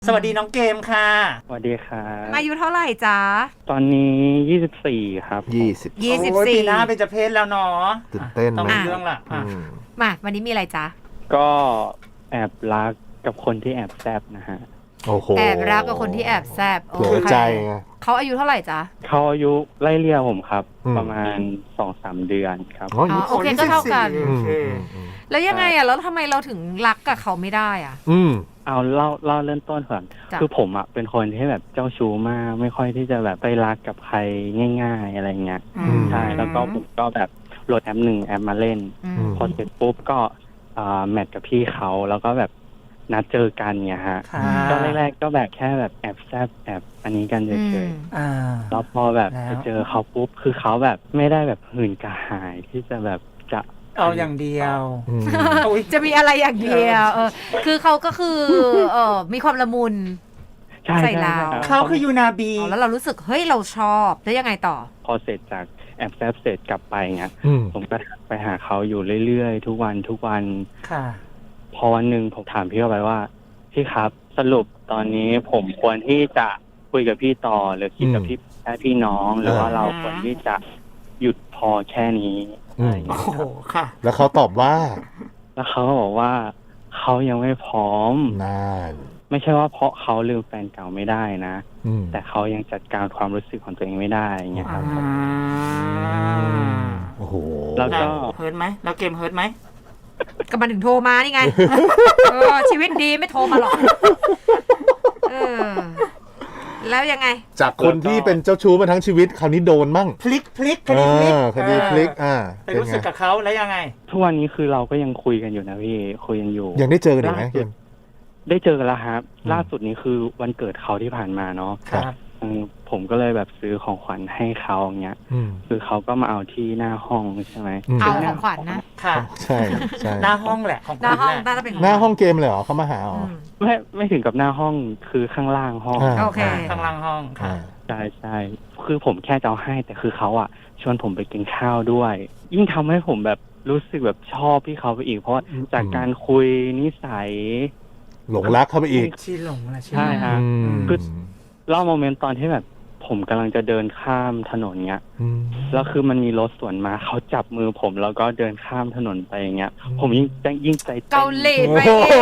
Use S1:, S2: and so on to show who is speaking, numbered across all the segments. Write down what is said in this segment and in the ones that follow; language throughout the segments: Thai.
S1: สวัสดีน้องเกมค่ะ
S2: สวัสดีครับ
S3: อายุเท่าไหร่จ๊ะ
S2: ตอนนี้24ครับ
S4: 20
S1: โอ้ยปีหน้าเป็นจะเพศแล้วเนาะ
S4: ตื่นเต้น
S1: ต้อง
S4: ไหม
S1: มีเรื่องละ
S3: มาวันนี้มีอะไรจ๊ะ
S2: ก็แอบรักกับคนที่แอบแซบนะฮะ
S4: โอ้โห
S3: แอบรักกับคนที่แอบแซบ
S4: เผื่อใจไง
S3: เขาอายุเท่าไหร่จ๊ะ
S2: เขาอายุไล่เลี่ยผมครับ
S4: อืม
S2: ประมาณ 2-3 เดือนครับ
S4: อ๋อ
S3: อ๋อโอเคก็เท่ากัน
S1: โอเค
S3: แล้วยังไงอ่ะแล้วทำไมเราถึงรักกับเขาไม่ได้อ่ะ
S2: เอาเล่าเริ่มต้นก่อน
S3: จ้ะ
S2: คือผมอ่ะเป็นคนที่แบบเจ้าชู้มากไม่ค่อยที่จะแบบไปรักกับใครง่าย ๆอะไรเงี้ย
S1: อืม
S2: ใช่แล้วก็ผมก็แบบโหลดแอปหนึ่งแอปมาเล่น พอเสร็จปุ๊บก็แมทกับพี่เขาแล้วก็แบบนัดเจอกันเนี่ยฮะ
S1: ค่ะ
S2: ก็แรกๆก็แบบแค่แบบแอบแซบแอบอันนี้กันเฉยๆ
S1: อ่า
S2: แล้วพอแบบ
S1: แล้ว
S2: ไปเจอเขาปุ๊บคือเขาแบบไม่ได้แบบหื่นกระหายที่จะแบบจะ
S1: เอาอย่างเดียวอุ๊ย
S3: จะมีอะไรอย่างเดียวคือเขาก็คือมีความละมุน
S2: ใช่
S3: ใส่เรา
S2: ใช่
S1: เขาคือยูนาบี
S3: แล้วเรารู้สึกเฮ้ยเราชอบแล้วยังไงต่อ
S2: พอเสร็จจากแอบแซบเสร็จกลับไปเงี้ย
S4: อืม
S2: ผมก็ไปหาเขาอยู่เรื่อยๆทุกวัน
S1: ค่ะ
S2: พอวันหนึ่งผมถามพี่เขาไปว่าพี่ครับสรุปตอนนี้ผมควรที่จะคุยกับพี่ต่อหรือคิดกับพี่แค่พี่น้องหรือว่าเราควรที่จะหยุดพอแค่นี้อะไรอย่าง
S1: โอ้
S2: เงี้ย
S1: โหค่ะ
S4: แล้วเขาตอบว่า
S2: แล้วเขาก็บอกว่าเขายังไม่พร้อม
S4: นาน
S2: ไม่ใช่ว่าเพราะเขาลืมแฟนเก่าไม่ได้นะ
S4: อืม
S2: แต่เขายังจัดการความรู้สึกของตัวเองไม่ได้อย่างเงี้ยครับ
S4: โอ้โห
S2: แล้วก็
S1: เฮิร์ตไหมแล้วเกมเฮิร์ตไหม
S3: ก็มาถึงโทรมานี่ไง ชีวิตดีไม่โทรมาหรอกแล้วยังไง
S4: จากคนที่เป็นเจ้าชู้มาทั้งชีวิตคราวนี้โดนมั่ง
S1: พลิกคดีพลิก
S4: คดีพลิก
S1: ไปรู้สึกกับเขาแล้วยังไง
S2: ทุกวันนี้คือเราก็ยังคุยกันอยู่นะพี่คุยกันอยู่
S4: ยังได้เจอกันอีกไหม
S2: ล่า
S4: เก
S2: สุด
S4: ม
S2: ได้เจอกันแล้วครับ
S4: อืม
S2: ล่าสุดนี้คือวันเกิดเขาที่ผ่านมาเนาะ
S1: ครับ
S2: ผมก็เลยแบบซื้อของขวัญให้เขาอย่างเงี้ย
S4: อืม
S2: คือเขาก็มาเอาที่หน้าห้องใช่ไหม
S4: อืม
S3: เอาของขวัญนะ
S1: ค่ะ
S4: ใช่ใช่
S1: หน้าห้องแหละของ
S3: หน้าห้อง
S1: คุณแหละ
S3: น่าจะเป็น
S4: หน้าห้องเกมเลยเหรอเขามาหาอ๋อ
S2: ไม่ถึงกับหน้าห้องคือข้างล่างห้อง
S4: อ่า
S3: โอเค
S1: ข้างล่างห้องค่ะ
S2: ใช่คือผมแค่จะเอาให้แต่คือเขาอ่ะชวนผมไปกินข้าวด้วย ยิ่งทำให้ผมแบบรู้สึกแบบชอบพี่เขาไปอีก เพราะว่าจากการคุยนิสัย
S4: หลงรักเข้าไปอีก
S1: ชีหลงนะชี
S2: ใช่ฮะ
S4: อืม
S2: คือ เล่าโมเมนต์ตอนที่แบบผมกำลังจะเดินข้ามถนนเงี้ย
S4: อืม
S2: แล้วคือมันมีรถสวนมาเขาจับมือผมแล้วก็เดินข้ามถนนไปอย่างเงี้ย ผมยิ่งใจต้น
S3: เกาหลีไปเอง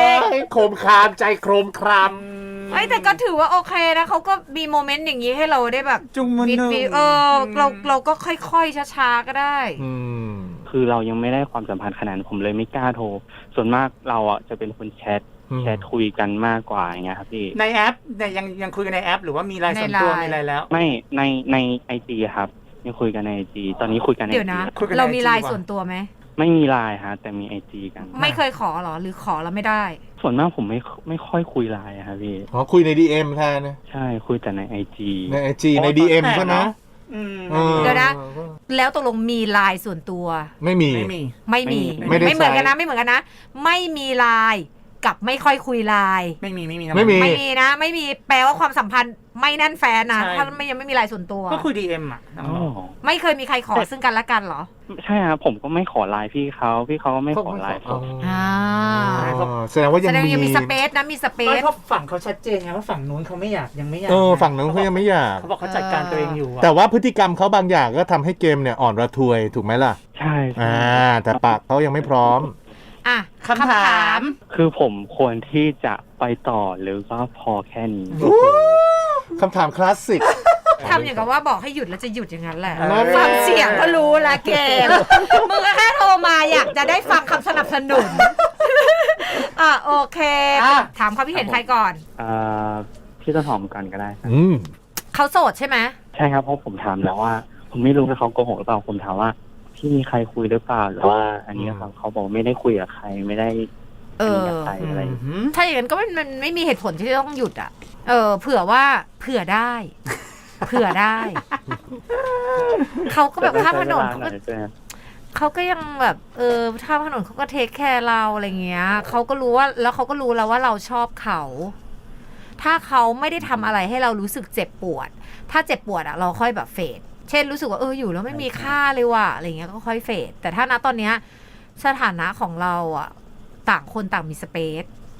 S4: โคมคามใจโครมคราม
S3: เอ้ยแต่ก็ถือว่าโอเคนะเขาก็มีโมเมนต์อย่างนี้ให้เราได้แบบ
S1: จุงมือ
S3: ฟิต
S1: หนึ่ง
S3: ฟิตเราก็ค่อยๆช้าๆก็ได้
S4: อืม
S2: คือเรายังไม่ได้ความสัมพันธ์ขนาดนั้นผมเลยไม่กล้าโทร ส่วนมากเราอ่ะจะเป็นคนแชทคุยกันมากกว่าอย่างเงี้ยครับพี่
S1: ในแอปเนี่ยยังคุยกันในแอป หรือว่ามีไลน์ส่วนตัว
S3: ในไลน์
S1: มีอะไรแล้ว
S2: ไม่ในไอจีครับยังคุยกันในไอจีตอนนี้คุยกันใน
S3: เดี๋ยวนะ
S1: คุยกันใน
S3: เรามี
S1: IG
S3: ไลน์
S1: ว่ะ
S3: ส่วนตัวไหม
S2: ไม่มีไลน์ฮะแต่มีไอจีกัน
S3: ไม่เคยขอหรอหรือขอแล้วไม่ได้
S2: ส่วนมากผมไม่ค่อยคุยไลน์อะครับพี่
S4: อ๋อคุยใน DM แทนนะ
S2: ใช่คุยแต่ในไอจี
S4: ใน IG ใน DM ก็นะ
S1: อืม
S4: ออ
S3: เดี๋ยวนะ แล้วตกลงมีไลน์ส่วนตัว
S4: ไม่มี
S1: ไม่มี
S3: ไม่มี
S4: ไม่ได้
S3: ไม่เหมือนกันนะ
S4: ใช้
S3: ไม่เหมือนกันนะ ไม่มีไลน์กับไม่ค่อยคุยไลน์
S1: ไม่มีนะ
S4: ไม่มี
S3: ไม่มีนะ ไม่มีแปลว่าความสัมพันธ์ไม่แน่นแฟนนะ
S1: ใช่
S3: ถ้ายังไม่มีไลน์ส่วนตัว
S1: ก็คุยดีเอ็มอ่ะน้อง
S2: อ๋อ
S1: บอก
S3: ไม่เคยมีใครขอซึ่งกันและกันเหรอ
S2: ใช่ครับผมก็ไม่ขอไลน์พี่เขาก็ไม่ขอไลน์ผม
S3: อ่า
S4: แสดงว่ายั
S3: แส
S4: ง
S3: ดง
S4: มี
S3: ยังมีสเปซนะมีสเป
S1: ไม่
S3: ซ
S1: เพราะฝั่งเขาชัดเจนไงว่าฝั่งนู้นเขาไม่อยากยังไม่อยาก
S4: ฝั่งนั้นเขายังไม่อยาก
S1: เขาบอกเขาจัดการตัวเองอยู่อะ
S4: แต่ว่าพฤติกรรมเขาบางอย่างก็ทำให้เกมเนี่ยอ่อนระทวยถูกไหมล่ะ
S2: ใช่ใช่
S4: แต่ปากเขายังไม่พร้อม
S3: อ่ะ
S1: คำถาม
S2: คือผมควรที่จะไปต่อหรือว่าพอแค่นี้
S4: คำถามคลาสสิก
S3: ทำอย่างกับว่าบอกให้หยุดแล้วจะหยุดอย่างนั้นแหละ
S1: เออ
S3: ฟังเสียงก็รู้ละเกมมึงก็แค่โทรมาอยากจะได้ฟังคำสนับสนุนโอเค ถามความคิดเห็นใครก่อน
S2: พี่ต้นหอมก่อนก็ได้ครับ
S3: เขาโสดใช่ไหม
S2: ใช่ครับเพราะผมถามแล้วว่า ผมไม่รู้ว่าเขาโกหกหรือเปล่าผมถามว่าพี่มีใครคุยหรือเปล่าหรือว่า อันนี้เขาบอกไม่ได้คุยกับใครไม่ได้
S3: เออ
S2: กับใครอะไร
S3: ถ้าอย่างนั้นก็มันไม่มีเหตุผลที่จะต้องหยุดอ่ะ เผื่อว่าเผื่อได้ เผื่อได้ เขาก็แบบข้ามถนนเขาก็ยังแบบข้ามถนนเขาก็เทคแคร์เราอะไรเงี้ยเขาก็รู้ว่าแล้วเขาก็รู้แล้วว่าเราชอบเขา ถ้าเขาไม่ได้ทำอะไรให้เรารู้สึกเจ็บปวด ถ้าเจ็บปวดอ่ะเราค่อยแบบเฟดเช่นรู้สึกว่าอยู่แล้วไม่มีค่าเลยว่ะอะไรเงี้ยก็ค่อยเฟดแต่ถ้าณตอนเนี้ยสถานะของเราอ่ะต่างคนต่างมีสเปซ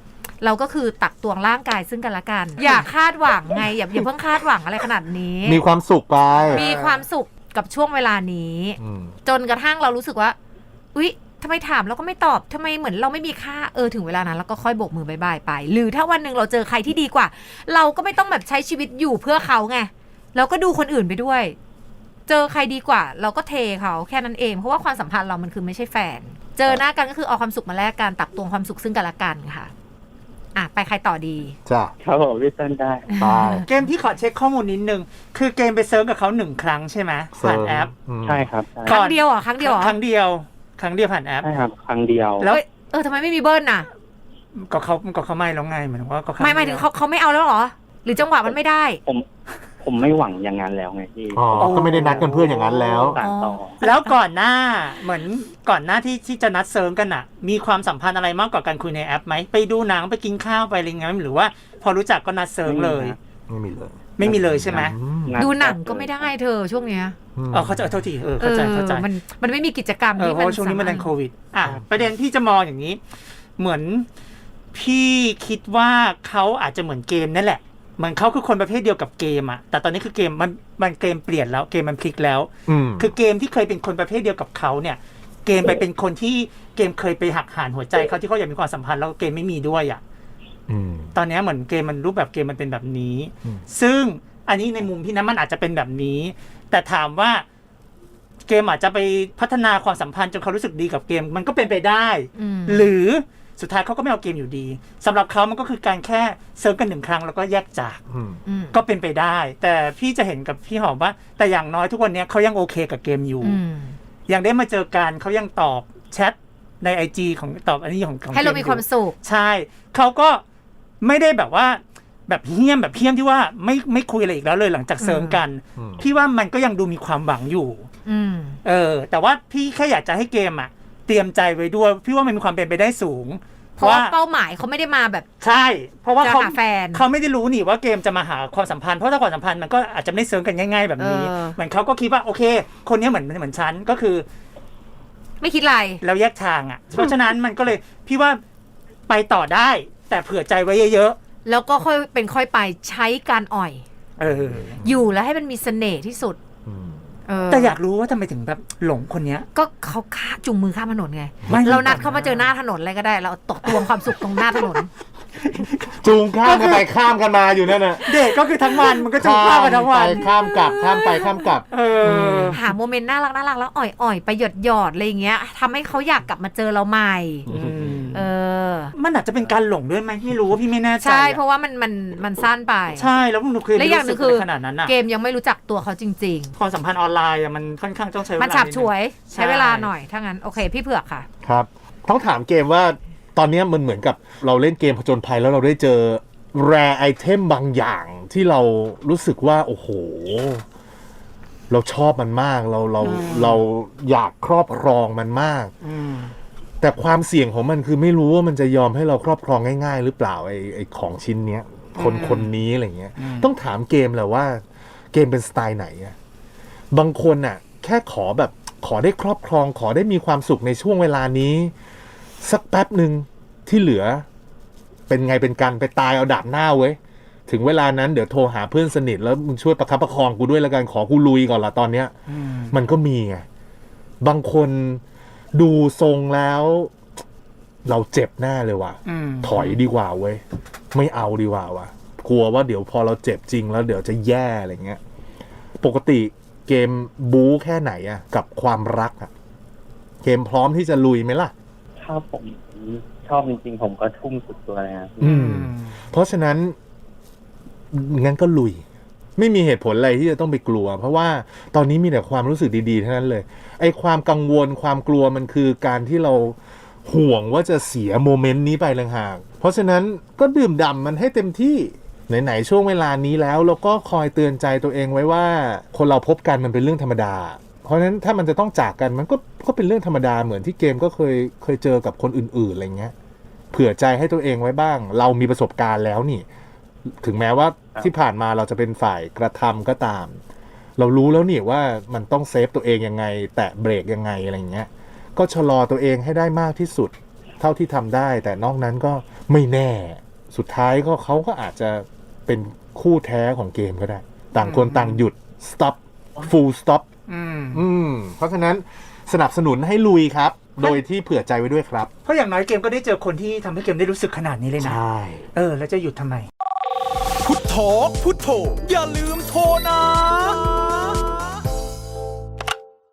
S3: เราก็คือตักตวงร่างกายซึ่งกันและกัน อย่าคาดหวังไงอย่าเพิ่งคาดหวังอะไรขนาดนี้
S4: มีความสุขไป
S3: มีความสุขกับช่วงเวลานี้ จนกระทั่งเรารู้สึกว่าอุ๊ยทำไมถามแล้วก็ไม่ตอบทำไมเหมือนเราไม่มีค่าถึงเวลานั้นเราก็ค่อยโบกมือบายบายไป หรือถ้าวันหนึ่งเราเจอใครที่ดีกว่า เราก็ไม่ต้องแบบใช้ชีวิตอยู่เพื่อเขาไงเราก็ดูคนอื่นไปด้วย เจอใครดีกว่า เราก็เทเขาแค่นั้นเองเพราะว่าความสัมพันธ์เรามันคือไม่ใช่แฟน เจอหน้ากันก็คือเอาความสุขมาแลกกันตักตวงความสุขซึ่งกันและกันค่ะไปใครต่อดี
S4: จ้ะ
S2: ครับผมพี่ต้นได้
S4: ไป
S1: เกมที่ขอเช็คข้อมูลนิดนึงคือเกมไปเซิร์ฟกับเขา1 ครั้งใช่ไหมผ่านแอป
S2: ใช่ครับใช่
S3: ครั้งเดียวเหรอครั้งเดียวเหรอ
S1: ครั้งเดียวผ่านแอป
S2: ใช่ครับครั้งเดียว
S1: แล้ว
S3: ทำไมไม่มีเบิ้ลน่ะ
S1: ก็เขาไม่แล้วไงเหมือนว่าก็ครั้ง
S3: หมายถึงเขาไม่เอาแล้วเหรอ หรือจังหวะมันไม่ได้
S2: ผมไม่หวังอย่างนั้นแล้วไงพี่
S4: ก็ไม่ได้นัดกันเพื่อนอย่างนั้นแล้ว
S2: สานต่อ
S1: แล้วก่อนหน้าเหมือนก่อนหน้าที่จะนัดเซิร์ฟกันอะมีความสัมพันธ์อะไรมากกว่าการคุยในแอปไหมไปดูหนังไปกินข้าวไปอะไรเงี้ยหรือว่าพอรู้จักก็นัดเซิร์ฟเลย
S4: ไม่มีเลย
S1: ไม่มีเลยใช่ไหม
S3: ดูหนังก็ไม่ได้เธอช่วงเนี้ย
S1: เขาจะโทษทีเข้าใจ
S3: มันไม่มีกิจกรรมที่
S1: เพราะว่าช่วงนี้มันเป็นโควิดประเด็นพี่จะมองอย่างนี้ เหมือนพี่คิดว่าเขาอาจจะเหมือนเกมนั่นแหละเหมือนเขาคือคนประเภทเดียวกับเกมอะแต่ตอนนี้คือเกมมันเกมเปลี่ยนแล้วเกมมันพลิกแล้วคือเกมที่เคยเป็นคนประเภทเดียวกับเขาเนี่ยเกมไปเป็นคนที่เกมเคยไปหักหานหัวใจเขาที่เขาอยากมีความสัมพันธ์แล้วเกมไม่มีด้วยอะตอนนี้เหมือนเกมมันรูปแบบเกมมันเป็นแบบนี้ซึ่งอันนี้ในมุมพี่นะมันอาจจะเป็นแบบนี้แต่ถามว่าเกมอาจจะไปพัฒนาความสัมพันธ์จนเขารู้สึกดีกับเกมมันก็เป็นไปได้หรือสุดท้ายเขาก็ไม่เอาเกมอยู่ดีสำหรับเขามันก็คือการแค่เซิร์ฟกัน1 ครั้งแล้วก็แยกจากก็เป็นไปได้แต่พี่จะเห็นกับพี่หอมว่าแต่อย่างน้อยทุกวันนี้เขายังโอเคกับเกมอยู่ยังได้มาเจอกันเขายังตอบแชทใน IG ของตอบอันนี้ของ
S3: ให้เรามีความสุข
S1: ใช่เขาก็ไม่ได้แบบว่าแบบเฮี้ยมที่ว่าไม่คุยอะไรอีกแล้วเลยหลังจากเซิร์ฟกันพี่ว่ามันก็ยังดูมีความหวังอยู่แต่ว่าพี่แค่อยากจะให้เกมเตรียมใจไว้ด้วยพี่ว่ามันมีความเป็นไปได้สูง
S3: เพราะว่าเป้าหมายเขาไม่ได้มาแบบ
S1: ใช่เพราะว่า
S3: เขา
S1: ไม่ได้รู้นี่ว่าเกมจะมาหาความสัมพันธ์เพราะถ้าความสัมพันธ์มันก็อาจจะไม่เซิร์ฟกันง่ายๆแบบนี้เหมือนเขาก็คิดว่าโอเคคนนี้เหมือนฉันก็คือ
S3: ไม่คิดอะไร
S1: แล้วแยกทางเพราะฉะนั้นมันก็เลยพี่ว่าไปต่อได้แต่เผื่อใจไว้เยอะ
S3: ๆแล้วก็ค่อยเป็นค่อยไปใช้การอ่อยอยู่แล้วให้มันมีเสน่ห์ที่สุด
S1: แต่อยากรู้ว่าทำไมถึงแบบหลงคนนี้
S3: ก็เขาจุงมือข้ามถนนไงเรานัดเขามาเจอหน้าถนนอะไรก็ได้เราตกตวงความสุขตรงหน้าถนน
S4: จูงข้ามกันไปข้ามกันมาอยู่นั่นน่ะ
S1: เด็กก็คือทั้งวันมันก็จูงข้ามกันทั้งวัน
S4: ข้ามกลับข้ามไปข้ามกลับ
S3: หาโมเมนต์น่ารักแล้วอ่อยไปหยอดอะไรอย่างเงี้ยทำให้เขาอยากกลับมาเจอเราใหม่
S1: มันอาจจะเป็นการหลงด้วยไหมไม่รู้ว่าพี่ไม่แน่ใจ
S3: ใช่เพราะว่ามันสั้นไป
S1: ใช่แล้วมันคือ
S3: และอย่างนึงคือ
S1: ขนาดนั้น
S3: เกมยังไม่รู้จักตัวเขาจริง
S1: ๆความสัมพันธ์ออนไลน์มันค่อนข้างต้องใช้เวลา
S3: มันฉับฉวยใช้เวลาหน่อยถ้างั้นโอเคพี่เผือกค่ะ
S4: ครับต้องถามเกมว่าตอนนี้มันเหมือนกับเราเล่นเกมผจญภัยแล้วเราได้เจอแรร์ไอเทมบางอย่างที่เรารู้สึกว่าโอ้โหเราชอบมันมากเราอยากครอบครองมันมากแต่ความเสี่ยงของมันคือไม่รู้ว่ามันจะยอมให้เราครอบครองง่ายๆหรือเปล่าไอของชิ้นเนี้ยคนนี้อะไรเงี้ยต้องถามเกมแหละว่าเกมเป็นสไตล์ไหนอะบางคนน่ะแค่ขอได้ครอบครองขอได้มีความสุขในช่วงเวลานี้สักแป๊บหนึ่งที่เหลือเป็นไงเป็นกันไปตายเอาดาบหน้าเว้ยถึงเวลานั้นเดี๋ยวโทรหาเพื่อนสนิทแล้วมึงช่วยประคับประคองกูด้วยละกันขอกูลุยก่อนละตอนเนี้ยมันก็มีไงบางคนดูทรงแล้วเราเจ็บแน่เลยว่ะถอยดีกว่าเว้ยไม่เอาดีกว่าว่ะกลัวว่าเดี๋ยวพอเราเจ็บจริงแล้วเดี๋ยวจะแย่อะไรเงี้ยปกติเกมบู๊แค่ไหนอะกับความรักอะเกมพร้อมที่จะลุยไหมล่ะ
S2: ถ้าผมชอบจริงๆผมก็ทุ่มสุดตัวเลยครับ
S4: เพราะฉะนั้นงั้นก็ลุยไม่มีเหตุผลอะไรที่จะต้องไปกลัวเพราะว่าตอนนี้มีแต่ความรู้สึกดีๆทั้งนั้นเลยไอ้ความกังวลความกลัวมันคือการที่เราห่วงว่าจะเสียโมเมนต์นี้ไปต่างหากเพราะฉะนั้นก็ดื่มด่ำมันให้เต็มที่ไหนๆช่วงเวลานี้แล้วเราก็คอยเตือนใจตัวเองไว้ว่าคนเราพบกันมันเป็นเรื่องธรรมดาเพราะฉะนั้นถ้ามันจะต้องจากกันมันก็เป็นเรื่องธรรมดาเหมือนที่เกมก็เคยเจอกับคนอื่นๆอะไรเงี้ยเผื่อใจให้ตัวเองไว้บ้างเรามีประสบการณ์แล้วนี่ถึงแม้ว่าที่ผ่านมาเราจะเป็นฝ่ายกระทำก็ตามเรารู้แล้วนี่ว่ามันต้องเซฟตัวเองยังไงแตะเบรกยังไงอะไรเงี้ยก็ชะลอตัวเองให้ได้มากที่สุดเท่าที่ทำได้แต่นอกนั้นก็ไม่แน่สุดท้ายก็เขาก็อาจจะเป็นคู่แท้ของเกมก็ได้ ต่างคนต่างหยุด stop full stop เพราะฉะนั้นสนับสนุนให้ลุยครับ โดยที่เผื่อใจไว้ด้วยครับ
S1: เพราะอย่างน้อยเกมก็ได้เจอคนที่ทำให้เกมได้รู้สึกขนาดนี้เลยนะ
S4: ใช่
S1: แล้วจะหยุดทำไม
S5: พุทโธพุทโธอย่าลืมโทรนะ